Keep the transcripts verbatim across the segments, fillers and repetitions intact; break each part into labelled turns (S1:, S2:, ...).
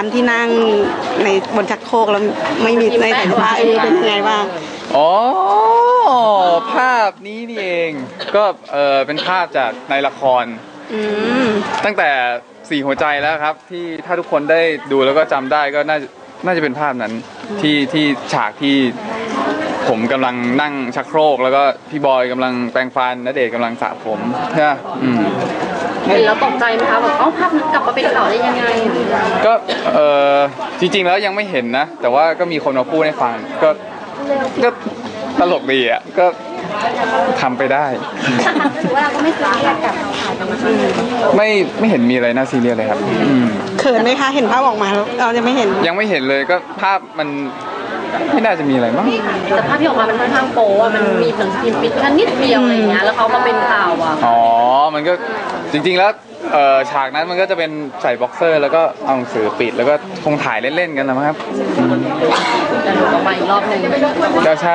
S1: นั้นที่นั่งในบนชักโครกแล้วไม่มีในสายผ้าเออเป็นยังไงบ้าง
S2: อ๋อภาพนี้นี่เองก็เออเป็นภาพจากในละครตั้งแต่สี่หัวใจแล้วครับที่ถ้าทุกคนได้ดูแล้วก็จำได้ก็น่าน่าจะเป็นภาพนั้นที่ที่ฉากที่ผมกำลังนั่งชักโครกแล้วก็พี่บอยกำลังแปรงฟันณเดชน์กำลังสระผมใช่ไหมอืม
S3: เห็นแล้วตกใจไหมคะแบบเอ้าภาพนี้กลับมาเป็นข่าวได้ยังไง
S2: ก็เออจริงๆแล้วยังไม่เห็นนะแต่ว่าก็มีคนมาพูดให้ฟังก็ก็ตลกดีอ่ะก็ทำไปได้
S3: ว่าก็ไม่ซีเรียสกับ
S2: ไม่ไม่เห็นมีอะไรน่าซีเรียสเลยครับ
S1: เขินไหมคะเห็นภาพออกมาแล้วเราจะไม่เห็น
S2: ยังไม่เห็นเลยก็ภาพมันไม่น่าจะมีอะไรมั้ง
S3: แต่ภาพที่ออกมามันค่อนข้างโป๊ะมันมีหนังสือพิมพ์ปิดแค่นิดเดียวอะไรเงี้ยแล้วเขามาเป็นข่าวอ่ะ
S2: อ๋อมันก็จริงๆแล้วฉากนั้นมันก็จะเป็นใส่บ็อกเซอร์แล้วก็เอาหนังสือปิดแล้วก็คงถ่ายเล่นๆกันนะครับ
S3: แต่ดูออกมาอีกรอบนึง
S2: ก็ใช่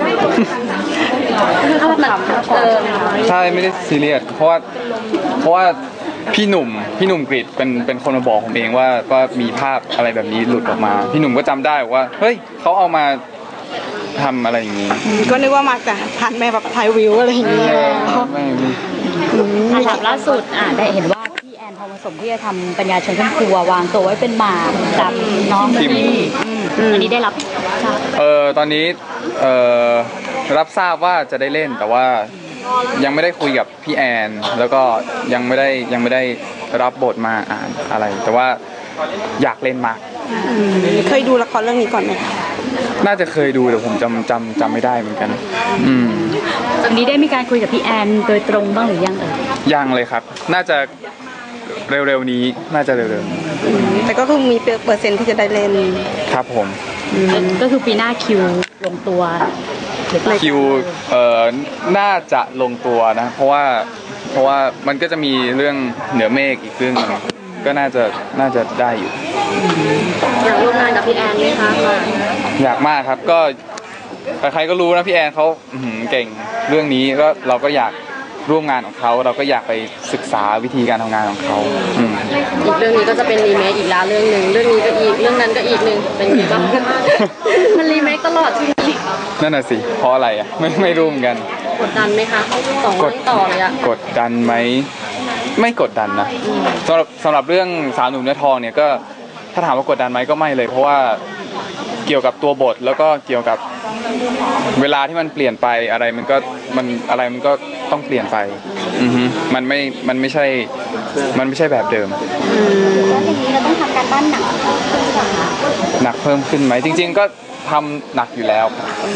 S3: ภาพแบบเออ
S2: ใช่ไม่ได้ซีเรียสเพราะว่าเพราะว่าพี่หนุ่มพี่หนุ่มกฤษเป็นเป็นคนมาบอกผมเองว่าว่ามีภาพอะไรแบบนี้หลุดออกมาพี่หนุ่มก็จำได้ว่าเฮ้ยเขาเอามาทำอะไรอย่างนี้
S1: ก็นึกว่ามาจากทันแม่แบบถ่ายวิวอะไรอย่างเงี้ย
S2: ไม่
S4: ไม่ถามล่าสุดอ่ะได้เห็นว่าพี่แอนทองผสมที่จะทำปัญญาชนครอบครัววางตัวไว้เป็นหมากกับน้องพิมอันนี้ได้รับ
S2: เออตอนนี้เออรับทราบว่าจะได้เล่นแต่ว่ายังไม่ได้คุยกับพี่แอนแล้วก็ยังไม่ได้ยังไม่ได้รับบทมาอ่านอะไรแต่ว่าอยากเล่นมาก
S1: เคยดูละครเรื่องนี้ก่อนไหมคะ
S2: น่าจะเคยดูแต่ผมจำจำจำไม่ได้เหมือนกันอืม
S4: จากนี้ได้มีการคุยกับพี่แอนโดยตรงบ้างหรือยังเอ่ย
S2: ยังเลยครับน่าจะเร็วๆนี้น่าจะเร็ว
S1: ๆแต่ก็คือมีเปอร์เซ็นต์ที่จะได้เล่น
S2: ครับผม
S4: ก็คือปีหน้าคิวลงตัว
S2: คิวเอ่อน่าจะลงตัวนะเพราะว่าเพราะว่ามันก็จะมีเรื่องเหนือเมฆอีกเรื่องนึงก็น่าจะน่าจะได้อยู่
S3: อยากร่วมงานกับพี่แอนไหมคะ
S2: อยากมากครับก็ใครๆก็รู้นะพี่แอนเขาเก่งเรื่องนี้ก็เราก็อยากร่วมงานของเขาเราก็อยากไปศึกษาวิธีการทำงานของเขา
S3: อีกเรื่องนี้ก็จะเป็นรีเมคอีกแล้วเรื่องหนึ่งเรื่องนี้ก็อีกเรื่องนั้นก็อีกหนึ่งเป็นไงบ้างมันรีเมคตลอดใช่ไหม
S2: นั่นน่ะสิเพราะอะไรอ่ะไม่ไม่รู้เหมือนกัน
S3: กดดันไหมคะสองเรื่องต่อเลยอะ
S2: กดดันไหมไม่กดดันนะสำหรับสำหรับเรื่องสาวหนุ่มเนื้อทองเนี่ยก็ถ้าถามว่ากดดันไหมก็ไม่เลยเพราะว่าเกี่ยวกับตัวบทแล้วก็เกี่ยวกับเวลาที่มันเปลี่ยนไปอะไรมันก็มันอะไรมันก็ต้องเปลี่ยนไปอือฮึมันไม่มันไม่ใช่มันไม่ใช่แบบเดิม
S3: แล้วอย่างนี้เราต้องทำการบ้านหนัก
S2: หนักเพิ่มขึ้นไหมจริงๆก็ทำหนักอยู่แล้ว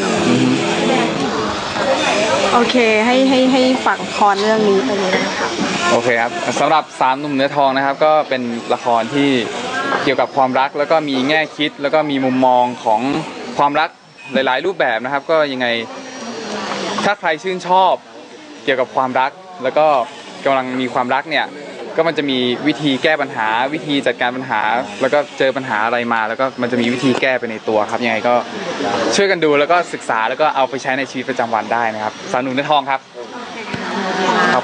S1: โอเคให้ให้ให้ฝากละครเรื่องนี้ไปเลยนะคะ
S2: โอเคครับสำหรับสามหนุ่มเนื้อทองนะครับก็เป็นละครที่เกี่ยวกับความรักแล้วก็มีแง่คิดแล้วก็มีมุมมองของความรักหลายๆรูปแบบนะครับก็ยังไงถ้าใครชื่นชอบเกี่ยวกับความรักแล้วก็กำลังมีความรักเนี่ยก็มันจะมีวิธีแก้ปัญหาวิธีจัดการปัญหาแล้วก็เจอปัญหาอะไรมาแล้วก็มันจะมีวิธีแก้ไปในตัวครับยังไงก็ช่วยกันดูแล้วก็ศึกษาแล้วก็เอาไปใช้ในชีวิตประจำวันได้นะครับสาวหนุ่มเนื้อทองครับ